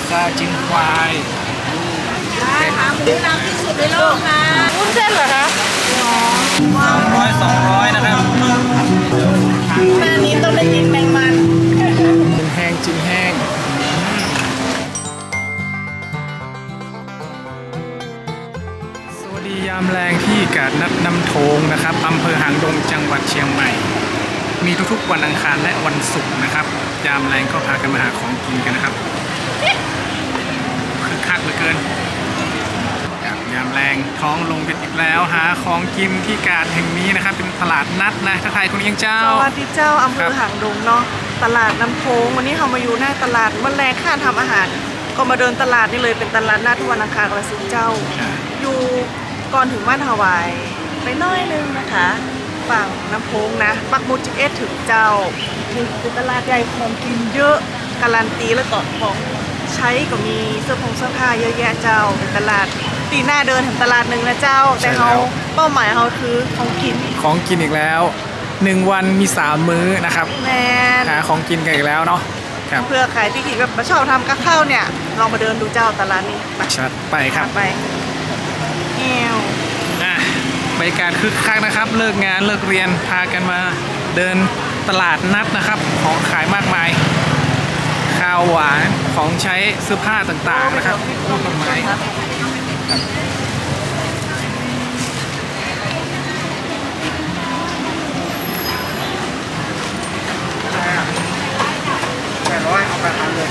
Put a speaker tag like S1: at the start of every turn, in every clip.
S1: ซาจิ้นควาย
S2: ได้ค่ะหมูน้ำที่สุดในโลกค่ะวุ้นเส้นเหรอคะ
S1: 200นะครับ
S2: แม่นี้ต้องได้กินแมงมัน
S1: จิ้นแห้งจิ้นแห้งสวัสดียามแรงที่กาดนัดน้ำโทงนะครับอำเภอหางดงจังหวัดเชียงใหม่มีทุกๆวันอังคารและวันศุกร์นะครับยามแรงก็พากันมาหาของกินกันนะครับคึกคักเหลือเกินยามแรงท้องลงกันอีกแล้วหาของกินที่กาดแห่งนี้นะครับเป็นตลาดนัดนะทักทายคุณเอียงเจ้า
S2: สวัสดีเจ้าอำเภอหางดงเนาะตลาดน้ำโพงวันนี้เรามาอยู่หน้าตลาดวันแรกข้าทำอาหารก็มาเดินตลาดนี่เลยเป็นตลาดนัดวันอังคารกับวันศุกร์เจ้าอยู่ก่อนถึงบ้านฮาวายไปน้อยนึงนะคะฝั่งน้ำโพงนะปักหมุด11ถึงเจ้าเป็นตลาดใหญ่ของกินเยอะการันตีแล้วก็ของใช้ก็มีเสื้อผ้าเยอะแยะเจ้าเป็นตลาดตีหน้าเดินถึงตลาดหนึ่งนะเจ้าแต่เขาเป้าหมายเขาคือของกิน
S1: อีกแล้ว1วันมี3มื้อนะครับ
S2: แม่
S1: หาของกินกันอีกแล้วเนาะ
S2: เพื่อใครที่แบบชอบทำกับข้าวเนี่ยลองมาเดินดูเจ้าตลาดนี้
S1: ชัดไปครับ
S2: ไปแอว
S1: บรรยากาศคึกคักนะครับเลิกงานเลิกเรียนพากันมาเดินตลาดนัดนะครับของขายมากมายข้าวหวานของใช้เสื้อผ้าต่างๆนะครับต้นไม้800เอา8,000เลย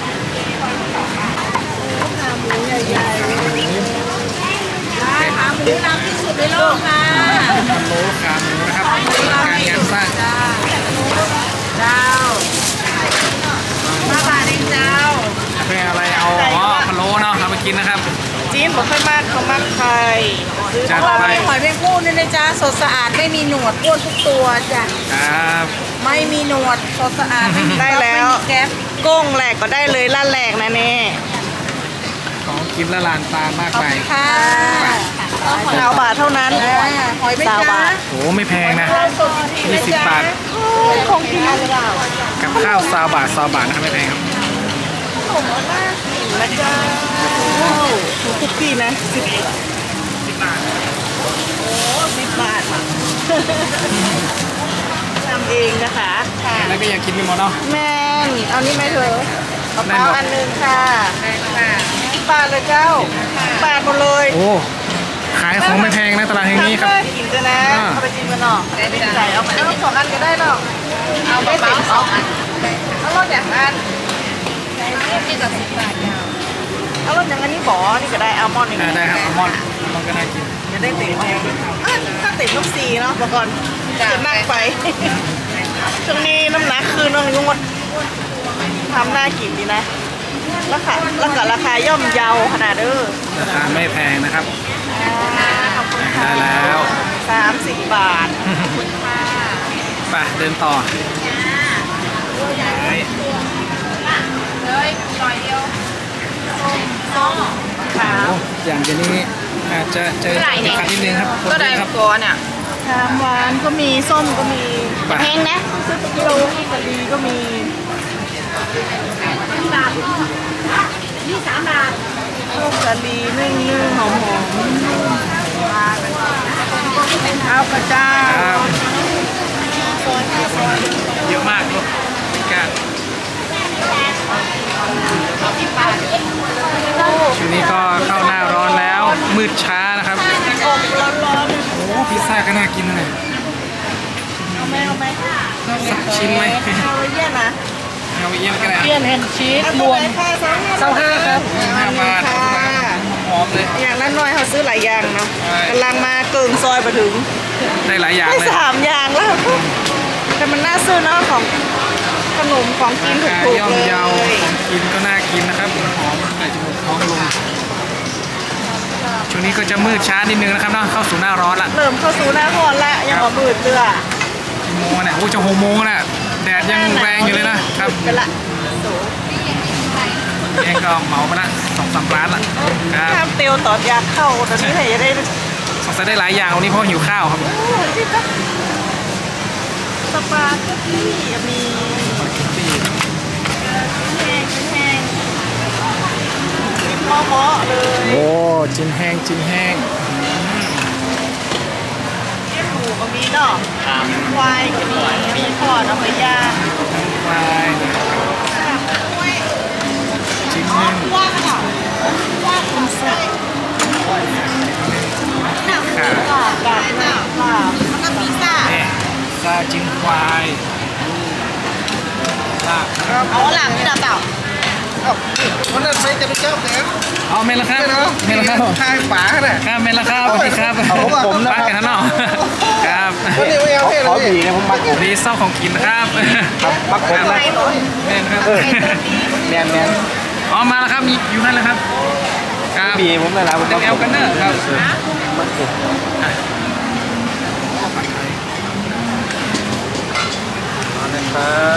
S2: ขาหมูใหญ่ๆได้ขาหมูน้ำที่สุดในโลกค่ะ
S1: พะโล้ขาหมูนะครับการงานสร้าง
S2: เจ้า5 บาทเองเจ้า
S1: เป็นอะไรเอาพะโล้เนาะเอาไปกินนะครับ
S2: จีนบอกค่อยมากเขามากใคร
S1: จัดไป
S2: หอยแมงผู้นี่นะจ๊ะสดสะอาดไม่มีหนวดอ้วนทุกตัวจ้ะ
S1: ครับ
S2: ไม่มีหนวดสดสะอาดได้แล้วแก๊สก้งแหลกก็ได้เลยล่าแหลกนะเน่
S1: ของกินละลานตามากไป
S2: ค่ะ20 บาทเท่านั้นหอยไม่จ้า
S1: โอ้ไม่แพงนะ20 บาท
S2: ของกิน
S1: กับข้าว20 บาทนะครับไม่แพงครับ
S2: ขนมน่ากินนะจ๊ะทุกที่นะ10 บาทโอ้10 บาททำเองนะคะ
S1: แล้วก็อยากกินมีหมดเนาะ
S2: แม่เอานี่ไหมเธอเอาอันนึงค่ะ10 บาทเลยเจ้าบาทหมดเลย
S1: โอ้ขายของไม่แพงนะตลาดแห่งนี้ครับ
S2: กินกันนะเอาไปกินกันเนาะใส่เอาไปเอา2 อันก็ได้เนาะเอาไป2 อันเอารถอย่างอันนี่กับ10 บาทเอารถอย่างอันนี้บ่อนี่ก็ได้อัลมอนด์นี่
S1: ได้ครับอัลมอนด์ก็น่ากิน
S2: จะได้ติ่มถ้าติ่มต้อง4เนาะก่อนจะนั่งไปช่วงนี้น้ำหนักคือน้องยุ่งทำน่ากินดีนะราคาย่อมเยาขนาด
S1: ราคาไม่แพงนะครับได้แล้ว
S2: 30 บาท
S1: ไปเดินต่อ
S2: เลย100 เดียวขาว
S1: อย่างเดี๋ยวนี้อาจจะเจอติดขัดนิดนึงครับ
S2: ก็ได้ครับตัวเนี่ยหวานก็มีส้มก็มีแพงนะซื้อกิโลกะลีก็มี3 บาทนี่3 บาทลูกกะลีนึ่งหอมเอากระเจ้า
S1: เยอะมากลูกกันช่วงนี้ก็เข้าหน้าร้อนแล้วมืดช้านะครับ
S2: ร้อน
S1: โอ้พิซซ่าก็น่ากินเลย
S2: เอาไหม
S1: สักชิ้นไหม
S2: เอาเยี่ยนนะ
S1: เอาเยี่ยนก็ได้
S2: เยี่ยนแฮนชีสรวม25ครับ
S1: 5 บาทหอมเลย
S2: อย่างนั้นน้อยเขาซื้อหลายอย่างเนาะกำลังมาเกิงซอยมาถึง
S1: ได้หลายอย่างเลย
S2: 3 อย่างแล้วแต่มันน่าซื้อเนาะของขนมของกินถูกๆเลย
S1: ของกินก็น่ากินนะครับหอมใส่จมูกท้องลงช่วงนี้ก็จะมืดช้านิดนึงนะครับเนาะเข้าสู่หน้าร้อนละ
S2: เริ่มเข้าสู่หน้าร้อนละยังบ่มืดเลย
S1: โมงเนี่ยโอ้จะ6 โมงน่ะแดดยังแรงอยู่เลยนะครับ
S2: เป็นละ
S1: เองก็เหมาไปละ2-3 ร้านละ
S2: ครับข้ามเตียวตอดยาเข้าตอนนี้ไหนจะได้
S1: สงสัยได้หลายอย่างวันนี้เพราะหิวข้าวครับ
S2: สปาเกตตี้มีแห้ง
S1: จินแห้งจินแห้ง
S2: เลี้ยงหมูก็มีเนาะควายก็มีทอดเอาไปย่าง
S1: ควายจินแห้ง
S2: ว่างเนาะว่างคุณแซ่บ
S1: ขา
S2: ลาบลาบลาบลาบแล้วก็พิซซ่า
S1: เนี่ยซาจินควายลาบ
S2: เอาหลังนี่นะเต่า
S3: วันนั้นไปจะไปเจ้าแก
S1: เอาเมนละครับเมนละครับ
S3: ทายฝาน่ะ
S1: ครับเมนละครับสวัสดีครับ
S3: ผมนะ
S1: ป้ากันเนาะครับ
S3: วันนี้ไม่เอาให้เลยผีนะผมมัก
S1: ดีเศร้าของกินนะครับ
S3: มักผมนะ
S1: แม่นครับ
S3: แมนแมน
S1: อ๋อมาแล้วครับอยู่นั่นแหละครับครับ
S3: ผีผมเลยนะผม
S1: เป็นแอลกันเนอร์ครับ
S3: นะครับ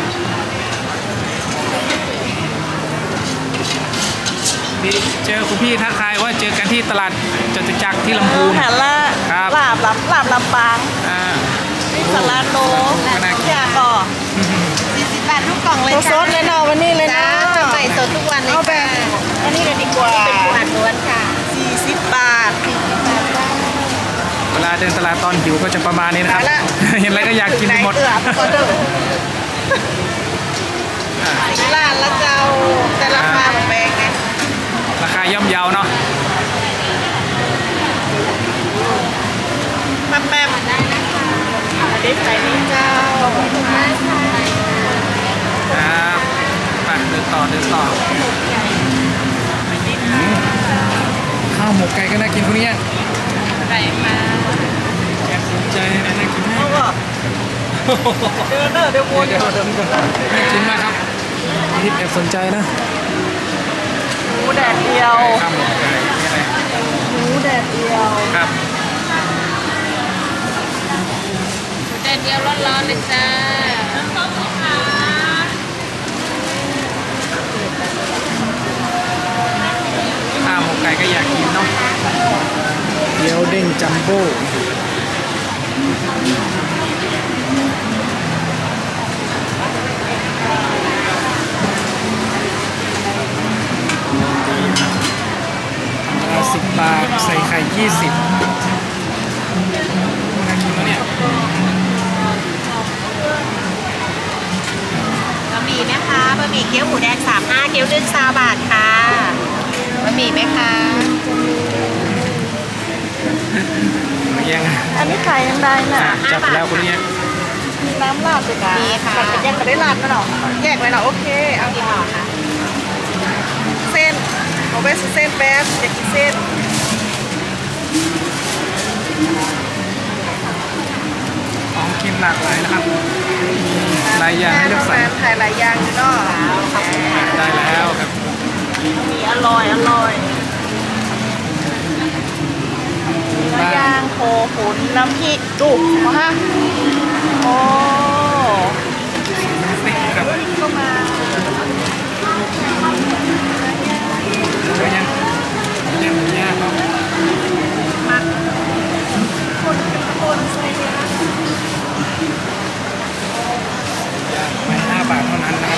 S1: ดีเจอคุณพี่ทักทายว่าเจอกันที่ตลาดจตุจักรที่ลำพูน
S2: หันละ
S1: ครับ
S2: ลาบลำปาง
S1: อ่า
S2: นี่สลัดโล
S1: ก็น่ากิน
S2: อยากก่อ
S4: 40 บาททุกกล่องเลย
S2: ตัวซ
S4: จ้า
S2: ดเลยเนาะวันนี้เลย
S4: จ้า
S2: เนาะ
S4: ใหม่สดทุกวันเลย
S2: เอาแบ
S4: ค่ะ
S2: บอันนี้เลยดีกว่า
S4: เป็นปูอัดล้วนค่ะ
S2: 40 บาท
S1: เวลาเดินตลาดตอนหิวก็จะประมาณนี้นะครับ
S2: ไปละ
S1: เห็นอะไรก็อยากกินไปหมด
S2: เอือบก็เด้อร้านละเจ้าแต่ราคามันแพงไง
S1: ราคาย่อมเยาเนาะ
S2: แป๊บๆอันนี้ใส่นี่เจ้า
S1: ครับไปเดินต่อข้าวหมกไก่ก็น่ากินคุณเนี่ย
S2: ไก่มา
S1: แอบสนใจนะน่ากิน
S2: เอา
S1: มาก
S2: ก็เดี๋ยววน
S1: เดี๋ยวน่ากินมากครับทิปแอบสนใจนะ
S2: หมูแดดเดียว
S1: ข้าวหมกไก่นี่อะไร
S2: หมูแดดเดียว
S1: ครับ
S4: แต่เดียวร้อนๆเลยจ้า
S1: ข้าวหมกไก่ก็อยากกินเนาะเกี๊ยวเด้งจัมโบ้10 บาทใส่ไข่20น่ากินแล้วเนี่ย
S4: บะหมี่ไหมคะบะหมี่เกี๊ยวหมูแดง35เกี๊ยวนึ่ง20 บาทค่ะบะหมี่ไหมคะ
S1: มาแย่ง
S2: อันนี้ขายยังได้น่ะ
S1: จับแล้วคุณเนี่ย
S2: มีน้ำราดด้วยนะ
S4: มีค่ะ
S2: แต่เป็นแยกไม่ได้ราดนะเนาะแยกเลยเนาะโอเคเอา
S4: กี่ห่อคะ
S2: เส้นเอาไปเส้นแป๊บอยากกินเส้น
S1: ของกินหลากหลายนะครับหลายอย่างให้เลือกสรร
S2: ขายหลายอย่างอยู่เนาะ
S1: ได้แล้วครับ
S2: มีอร่อยเนื้อย่างโคขุนน้ำพริกจุกมาฮะโอ้
S1: ติ๊กครับ
S2: ก็มา
S1: เยอะยังยังยากเนาะ
S2: คนใส่เนื้อ
S1: ไม่5 บาทเท่านั้นนะครับ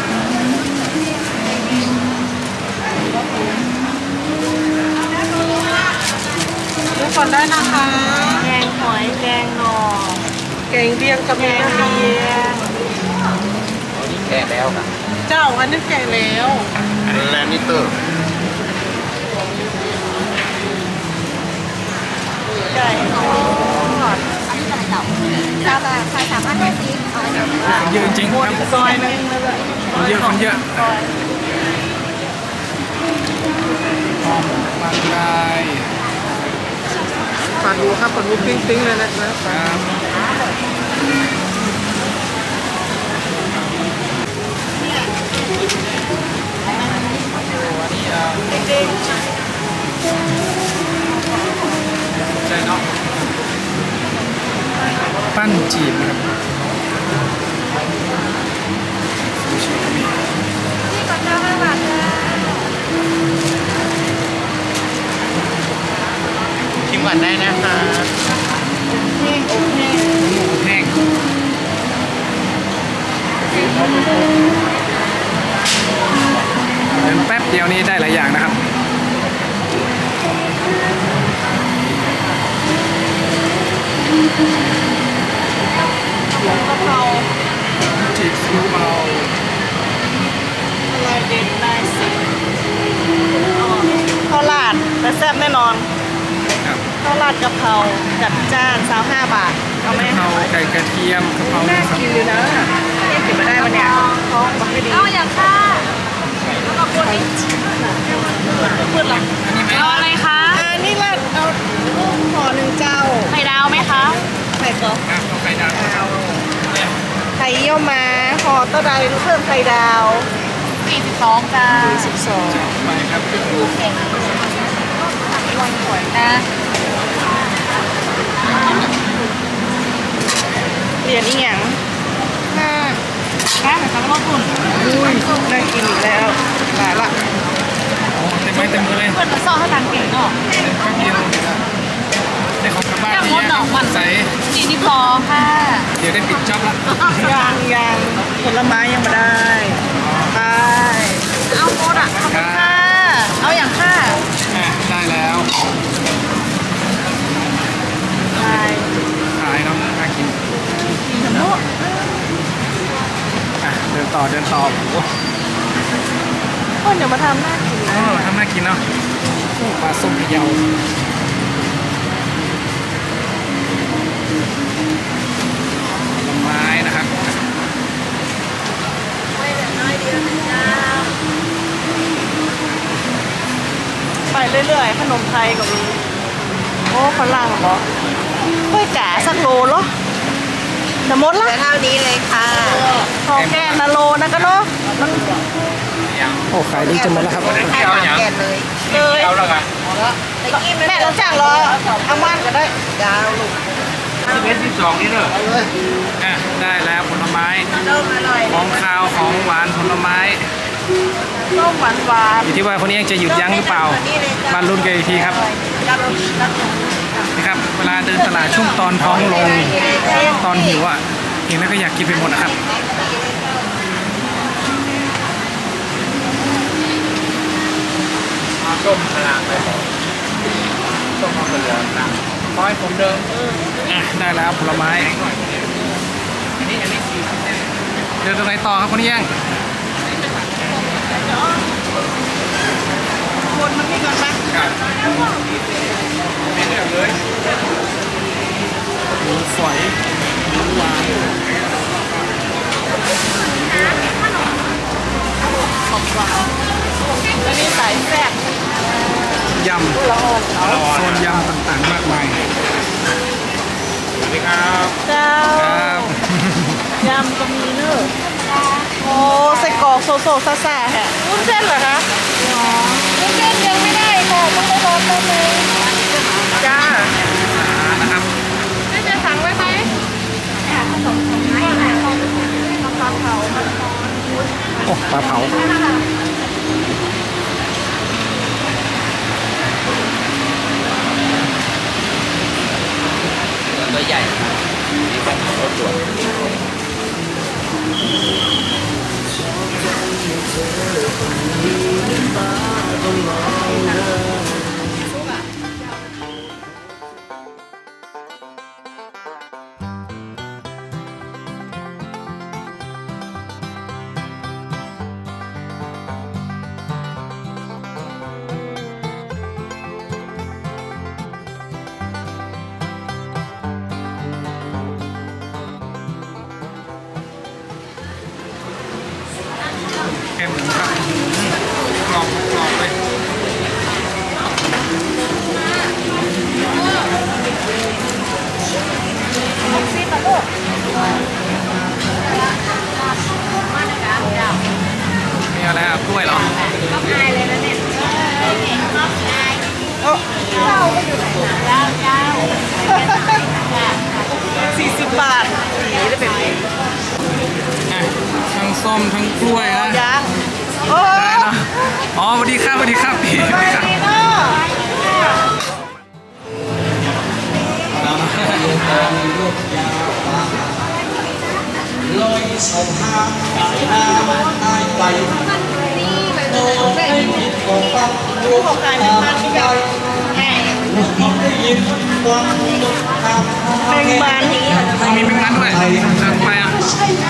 S2: ดูก่อนได้นะคะแกงหอยแกงหน่อแกงเลียงกับแกงเลียง
S3: แก่แล้วครับ
S2: เจ้าอันนี้แกงแล้ว
S3: แลนนิเตอร์
S2: ไก่ทอด
S4: อันนี้อะไรเต่าจ้าบาทค่ะ350เอาอันนี้
S1: คนเยอะจริงๆครับ
S2: ซอยนึงแล้วก็
S1: คนเยอะคนเยอะ
S2: ซอย
S1: หอมบางราย
S3: ปลาดูครับปลาดูปิ้งๆเลยนะครับ
S2: เด้ง
S1: ใช่เนาะปั้นจีบครับซูชิก็มี
S2: ที่ก่อนเจ้า5 บาทจ้า
S3: ชิมก่อนได้นะคะ
S2: แห้งอบแห้ง
S1: หมูแห้งเดินแป๊บเดียวนี้ได้หลายอย่างนะครับ
S2: หัวกะเพรา
S1: จีบซีอิ๊วเบา
S2: อะไรเด็ดได้สิข้าวราดและแซ่บแน่นอน
S1: ครับ
S2: ข้าวราดกะเพราจัดจ้าน25 บาทเอาไหม
S1: กะเพราไก่กระเทียมกะเพรา
S2: น่ากินอยู่นะเนี่ยกินมาได้วันเนี้ยท้องมันไม่ดี
S4: เอาอย่างค่ะแล้วก็คนนี้
S2: พูดหรอ
S1: อันนี้ไหม
S4: เอาอะไรคะ
S2: นี่ราดเอาห่อหนึ่งเจ้า
S4: ไข่ดาวไหมคะ
S2: ไข่กรอบ
S1: ครับเอาไข่ดาวเนี่ย
S2: ไข่เยี่ยวม้าห่อเต้าใดเพิ่มไข่ดาว
S4: 42จ้า
S2: 12
S1: ไปครับ
S4: นะ
S2: เหรียญอีหยังห้า
S4: แค่ไหนคะก็คุณ
S2: อุ้ยน่ากินอีกแล้วหลายละ
S1: โอ้เต็มไม้เต็มมือเลย
S4: เพื่อนมาซ่อให้ตังเก่งเนาะ
S1: แป๊บเดียวได้ของกลับบ้าน
S4: ย่าง
S1: เย
S4: มด
S1: อะ
S4: ดอกมัน
S1: ใส่
S4: 42ค่ะ
S1: เดี๋ยวได้ปิดจ็อบละ
S2: ยังผลไม้ยังไม่ได้ไป
S4: เอาโคตรอ่ะ
S1: ครับ
S2: ค่ะเอาอย่างค่ะ
S1: ได้แล้ว
S2: ไป
S1: ขายเนาะน่ากิน
S2: กินทั้งหมด
S1: เดินต่อโอ้โห
S2: คนเดี๋ยวมาทำหน้ากิน
S1: อ๋
S2: นะ
S1: อทำน่ากินเนาะโอ้ปลาส้มพะเยาผลไม้นะครับ
S2: ไปเรื่อยๆขนมไทยก็มีโอ้ฝรั่งเหรอกล้วยจ๋าสักโลเหรอจะหมดละ
S4: เท่านี้เลยค่ะ
S2: ทองแก่นะโลนะก็เนาะมัน
S1: โอ้ขายดีจังเลยครับ
S4: แค่หางแก่นเลย
S2: เลย
S1: เอาแล้วกัน
S2: แม่เราจ้างรอเอาม่านก็ได้
S4: ยาวลูก
S1: 12นี่เนอะได้แล้วผลไม้
S4: เริ่มอร่อย
S1: ของคาวของหวานผลไม้
S2: ส้มหวานหวาน
S1: อยู่ที่ว่าคนนี้ยังจะหยุดยั้งหรือเปล่ามาลุ้นกันอีกทีครับนะครับ เวลาเดินตลาดช่วงตอนท้องลงตอนหิวอ่ะเห็นแล้วก็อยากกินไปหมดนะครับส้มพลังเลยส้มมะเขือนะร้อยผมเดิมได้แล้วผลไม้เดินตรงไหนต่อครับคนนี้ยัง
S2: คนมันไม่ก่อนนะ
S1: ไม่เลือกเลยหมูฝอยหมูหวาน
S2: แล้วนี่สายแซ่บ
S1: ยำ
S2: ละอ่อนเขา
S1: โซนยำต่างๆมากมายสวัสดีครับ
S2: เจ้า
S1: ครับ
S2: ยำก็มีเนอะโอ้ไส้กรอกโซโซซ่าซ่าแฮะวุ้นเส้นเหรอคะวุ้นเส้นยังไม่ได้ค่ะต้องไปรอแป๊บนึงจ้า
S1: นะครับ
S2: ไม่จะสั่งไว้ไหมปลาเผา
S1: โอ้ปลาเผาตัวใหญ่นี่เป็นรถด่วนแค่หมูครับกรอบกรอบเลยมีอะไรอ่ะกล้วยเหรอ
S4: ก็พายเลยนะเนี่ย
S2: โอ้
S4: เจ้า
S2: 40 บาทสีได้เป็น
S1: อ่ะทั้งส้มทั้งกล้วยนะ
S2: ยังโอ้
S1: ได้เนาะอ๋อสวัสดีครับสวัสดีครับพี่
S2: สบายดีเนาะ
S5: ลอยสองทางสายน้ำตายไปโดนไม่ผิดของปัก
S2: ผู้ประกอบการเป็นบ้านที่ใหญ่
S5: ลได้ยินวังทาง
S2: แมงมัน
S1: มีแมงมันด้วยทางไปอ่ะ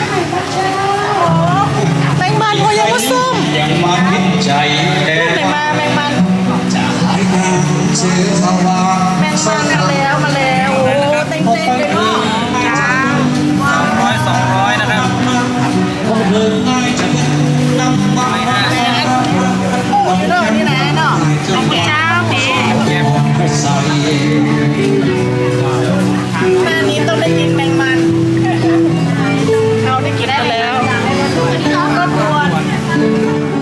S2: แมงมันโอ้ยังก็ส้ม
S5: ยังมาพิใจแต่
S2: ไหนมาแมงมัน
S5: จะหายทางเชื่อสว่าง
S2: แมงมันมาแล้วโอ้เต็งเลยเนาะจ้า
S1: 200นะครับ
S5: คงเดินง่ายจะนำมา
S2: เรื่องนี้นะเนาะ
S4: เจ้าพี่
S5: ใส่
S2: แม่นี้ต้องได้กินแมงมันเขาได้กินไปแล้วก็ปวด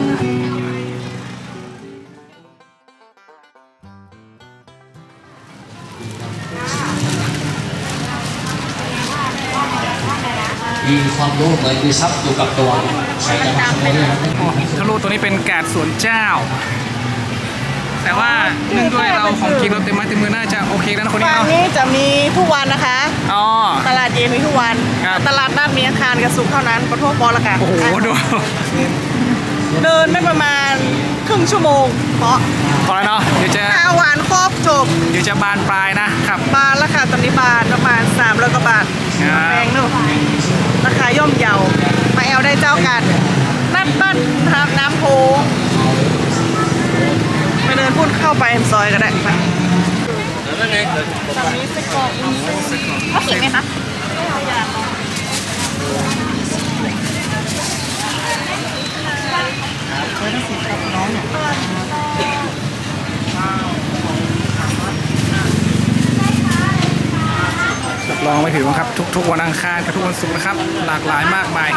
S5: มีความรู้เหมือนมีทรัพย์อยู่กับตัวใครจะมาขโมยได้ไหม
S1: ทะลุตัวนี้เป็นกาดสวนเจ้า แต่ว่าเนื่องด้วยเราของกินเราเต็มไม้เต็มมือน่าจะโอเคแล้วนะคนนี้
S2: ฟาร์ม
S1: เนาะ
S2: นี้จะมีทุกวันนะคะ
S1: อ๋อ
S2: ตลาดเย็นมีทุกวัน
S1: ครับ
S2: ตลาดนัดมีอาคารกับสุขเท่านั้นปะทั่วปอละกัน
S1: โอ้โหดู
S2: เดินไม่ประมาณครึ่งชั่วโมงเพราะ
S1: พอแล้วเนาะเดี๋ยวจะ
S2: ข้าวหวานครบจบ
S1: เดี๋ยวจะบานปลายนะครับ
S2: บาทราคาตอนนี้บาทประมาณ300 กว่าบาท
S1: ครับ
S2: แพงเนอะราคาย่อมเยามาแอลได้เจ้ากันนัดบ้านน้ำโพงไปเดินพุ่นเข้าไปซอยก็ได้ไปตอนนี้ไส้กรอก
S4: เขาเขียนไหมคะ
S1: รับรองไม่ผิดหวังครับ ทุกๆวันอังคารกับทุกวันศุกร์นะครับ หลากหลายมากมาย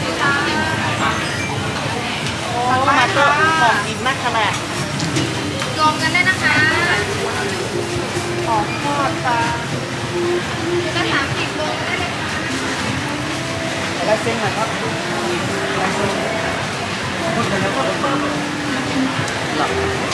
S2: มาก็ของกินนักขนาด
S4: รวมกันได้นะคะ
S2: ของทอดปลา
S4: ก็30โลได้เลย
S2: ลายเส้นหน่อยครับลายเส้น